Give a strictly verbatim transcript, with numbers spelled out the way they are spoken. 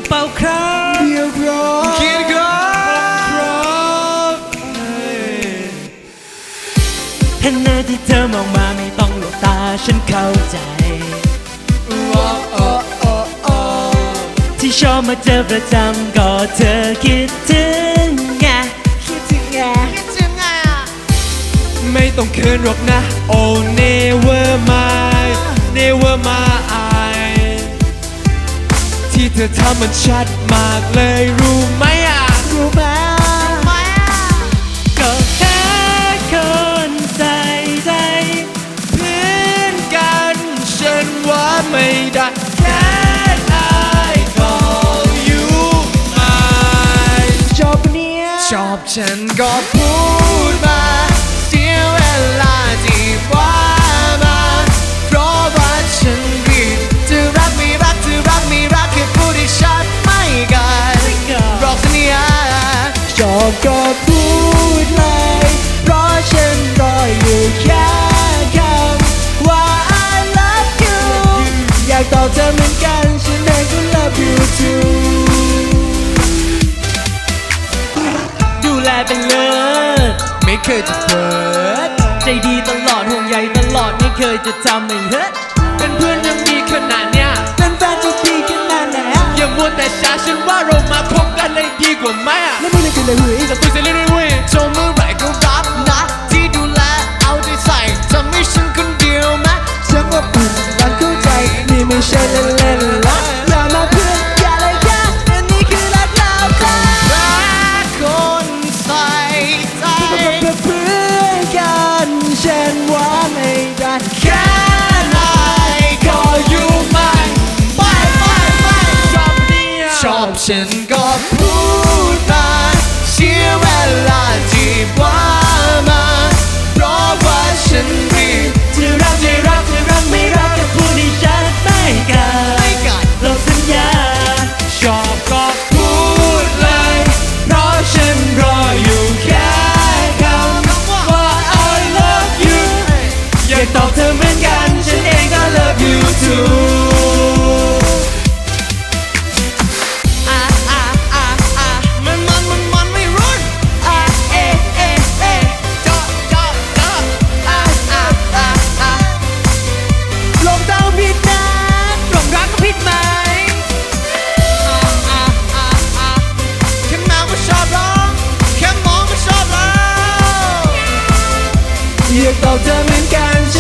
เป่าคราเดียวครบเขียนครบเห็นหน้าที่เธอมองมาไม่ต้องหลบตาฉันเข้าใจที่ชอบมาเจอประจำก็เธอคิดถึงไงคิดถึงไงคิดถึงไงอ่ะไม่ต้องเขินหรอกนะ Oh never mind never mind ที่เธอทำมันชัดมากเลยรู้ไหมอ่ะรู้ไหมก็แค่คนใส่ใจเพื่อนกันฉันว่าไม่ได้แค่ชอบฉันก็พูดมาเสียเวลาที่ว่ามาเพราะว่าฉันรีบจะรักไม่รักจะรักไม่รักแค่พูดให้ชัดไม่กันรอกสัญญาชอบก็พูดเลยเพราะฉันรออยู่แค่คำว่า I love you อยากตอบเธอเหมือนกันฉันเองก็ love you tooเป็นเลิศไม่เคยจะเปิดใจดีตลอดห่วงใยตลอดไม่เคยจะทำให้เฮ้ยเป็นเพื่อนยังดีขนาดเนี้ยเป็นแฟนจะดีขนาดไหนอย่ามัวแต่ช้าฉันว่าเรามาพบกันเลยดีกว่าไหมอ่ะแล้วมึงเลยกันเลยเว้ยจะคุยเสร็จเลยเว้ยโชว์เมื่อไหร่ก็รับนะที่ดูแลเอาใจใส่ทำให้ฉันคนเดียวไหมฉันว่าปุ่นการเข้าใจนี่ไม่ใช่เล่นๆละอย่ามาเพื่อนอย่าเลยแค่อันนี้คือรักเราค่ะเพื่อนกันฉันว่าไม่ได้แค่ไหนก็อยู่ไม่ไม่ไม่ไม่ชอบเนี่ยชอบฉันก็พูดมาเสียเวลาที่ว่ามาเพราะว่าฉันรีบจะรักจะรักจะรักไม่รักก็พูดให้ชัดไม่กันเราสัญญาชอบก็พูดเลยเพราะฉันรออยู่แค่อยากตอบเธอเหมือนกันฉันเองก็ love you too อ่ะอ่ะอ่ะอ่ะมันมันมันมันไม่รุ่นอ่ะเอ๊ะเอ๊ะเอ๊ะจอจอจออ่ะอ่ะอ่ะอ่ะลงดาวผิดนะลงรักก็ผิดไหมอ่ะอ่ะอ่ะอ่ะแค่มองก็ชอบร้องแค่มองก็ชอบร้องอยากตอบเธอเหมือนกัน